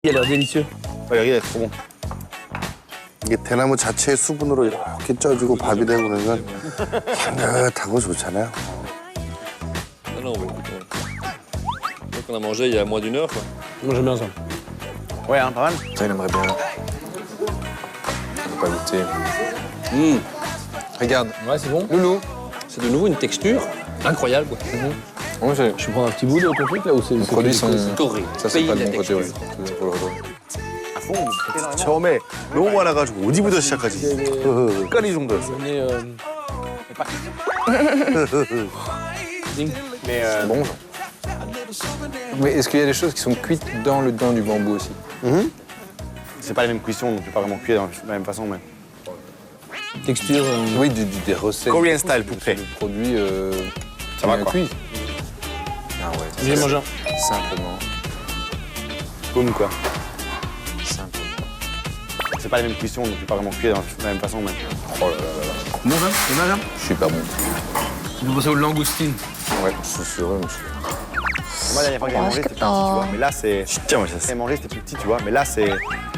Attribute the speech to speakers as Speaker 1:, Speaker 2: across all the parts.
Speaker 1: Il a l'air délicieux.
Speaker 2: 여기가 trop bon.
Speaker 3: 이게 대나무 자체의 수분으로 이렇게 쪄지고 밥이 되고 그러면 향긋하고 좋잖아요.
Speaker 4: Non, non, bah, écoute, donc on a mangé il y a moins d'1 heure, quoi.
Speaker 1: Moi, j'aime bien ça.
Speaker 2: Ouais, hein, pas mal.
Speaker 5: Ça, il aimerait bien. On va pas goûter. Regarde,
Speaker 1: Ouais, c'est bon.
Speaker 5: Loulou.
Speaker 4: C'est de nouveau une texture incroyable, quoi.
Speaker 5: Moi, j'ai...
Speaker 1: Je peux prendre un petit bout de ton truc là ou c'est.
Speaker 5: Les produits sont...
Speaker 4: Corée.
Speaker 5: Ça, c'est
Speaker 4: Pays
Speaker 5: pas
Speaker 4: de
Speaker 5: de
Speaker 4: la
Speaker 5: mon côté, ouais.
Speaker 4: texture.
Speaker 5: Faut le redonner.
Speaker 2: 처음에 너무 많아가지고 어디부터 시작하지? 헷갈리 정도였어.
Speaker 1: Ding.
Speaker 2: Mais
Speaker 5: C'est bon, ça. Mais est-ce qu'il y a des choses qui sont cuites dans le dent du bambou aussi?
Speaker 2: c'est pas les mêmes cuissons, donc c'est pas vraiment cuit de la même façon. Mais...
Speaker 1: Texture.
Speaker 5: Oui, des recettes.
Speaker 2: Korean style poulet.
Speaker 5: Le produit
Speaker 2: Ça va,
Speaker 5: bien
Speaker 2: quoi.
Speaker 5: cuit. Ah ouais.
Speaker 1: J'ai mangé un.
Speaker 5: Simplement.
Speaker 2: Boum quoi.
Speaker 5: Simplement.
Speaker 2: C'est pas les mêmes cuissons, donc c'est pas vraiment cuit de la même façon. Mais...
Speaker 5: Oh là là là là.
Speaker 1: Bon, ça c'est bien, ça.
Speaker 5: Super bon.
Speaker 1: Tu peux passer aux langoustines.
Speaker 5: Ouais, c'est sûr, monsieur.
Speaker 2: Moi, la dernière fois que j'ai mangé, c'était plus petit, tu vois. Mais là, c'est...
Speaker 3: 진짜 맛있었어.
Speaker 2: J'ai mangé, c'était plus petit, tu vois. Mais là, c'est...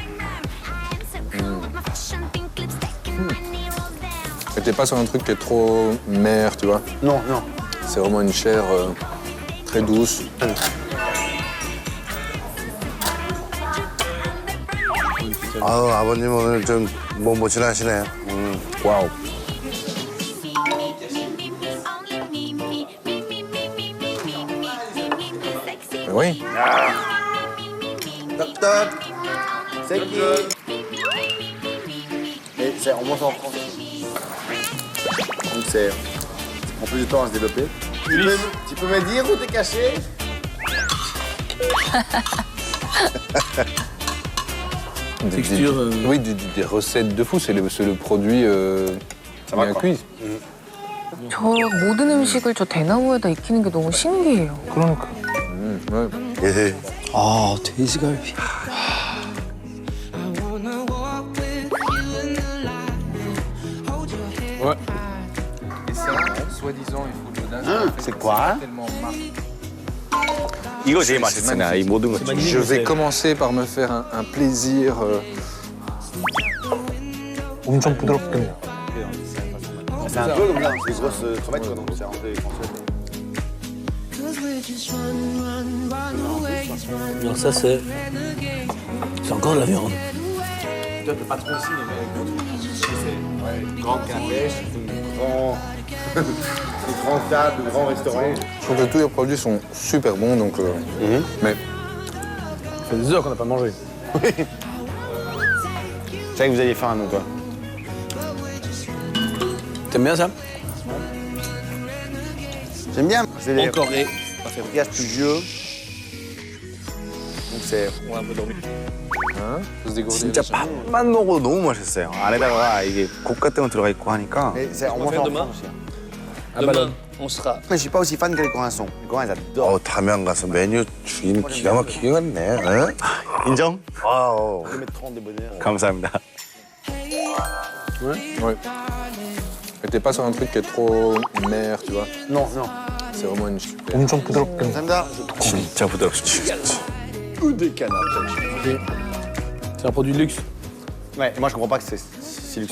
Speaker 5: Mais t'es pas sur un truc qui est trop mer, tu vois.
Speaker 2: Non, non.
Speaker 5: C'est vraiment une chair très douce.
Speaker 3: 아우 아버님 오늘 좀 모질하시네요.
Speaker 5: Waouh. Mais oui.
Speaker 2: Toc toc. C'est qui? Et c'est, on mange en France. Donc c'est... On prend plus de temps à se développer. Tu peux me dire où t'es caché?
Speaker 1: Texture.
Speaker 5: Oui, des recettes de fou. C'est le produit
Speaker 2: Ça va,
Speaker 5: bien
Speaker 2: quoi.
Speaker 5: cuit.
Speaker 6: 저 모든 음식을 저 대나무에다 익히는 게 너무 신기해요.
Speaker 1: 그러니까.
Speaker 5: Ouais.
Speaker 3: 예.
Speaker 1: 아, 돼지갈비. Ouais.
Speaker 5: Et ça, soi-disant, il faut de l'audace.
Speaker 2: C'est quoi?
Speaker 5: Tellement marqué.
Speaker 2: 이거 제일 맛있어. 나 이 모든 거.
Speaker 5: Je vais commencer par me faire un plaisir.
Speaker 1: 엄청 부드럽겠네요.
Speaker 2: C'est un peu comme ça, c'est des grosses crevettes, quoi. Donc c'est rentré
Speaker 1: Alors ça c'est encore de la viande.
Speaker 2: Toi, t'es patron ici, mais c'est grande canapèche, des grandes tables, de grands restaurants.
Speaker 5: Je trouve que tous les produits sont super bons, donc. Mais
Speaker 1: Ça fait des heures qu'on n'a pas mangé.
Speaker 2: Je savais que vous alliez faire un nom, toi.
Speaker 1: T'aimes bien ça?
Speaker 2: J'aime bien. C'est des
Speaker 1: En Corée.
Speaker 2: gaz plus vieux. Donc c'est...
Speaker 4: On a un peu dormi.
Speaker 2: 진짜 밥만 먹어도 너무 맛있어요. 안에다가 이게 국 같은 거 들어가 있고 하니까. On
Speaker 4: va faire demain. Demain, on sera.
Speaker 2: Mais je suis pas aussi fan que les Coréens sont. Les Coréens, ils adorent.
Speaker 3: 담양 가서 메뉴 주인 기가 막히게 갔네. 어?
Speaker 2: 인정?
Speaker 3: 와우.
Speaker 2: 감사합니다.
Speaker 5: ouais. Mais t'es pas sur un truc qui est trop mer, tu vois.
Speaker 2: Non, non.
Speaker 5: C'est vraiment une super.
Speaker 1: 엄청 부드럽겠네.
Speaker 2: 감사합니다.
Speaker 3: 진짜 부드럽지.
Speaker 2: Ou des canards.
Speaker 1: C'est un produit de luxe.
Speaker 2: Ouais, et moi je comprends pas que c'est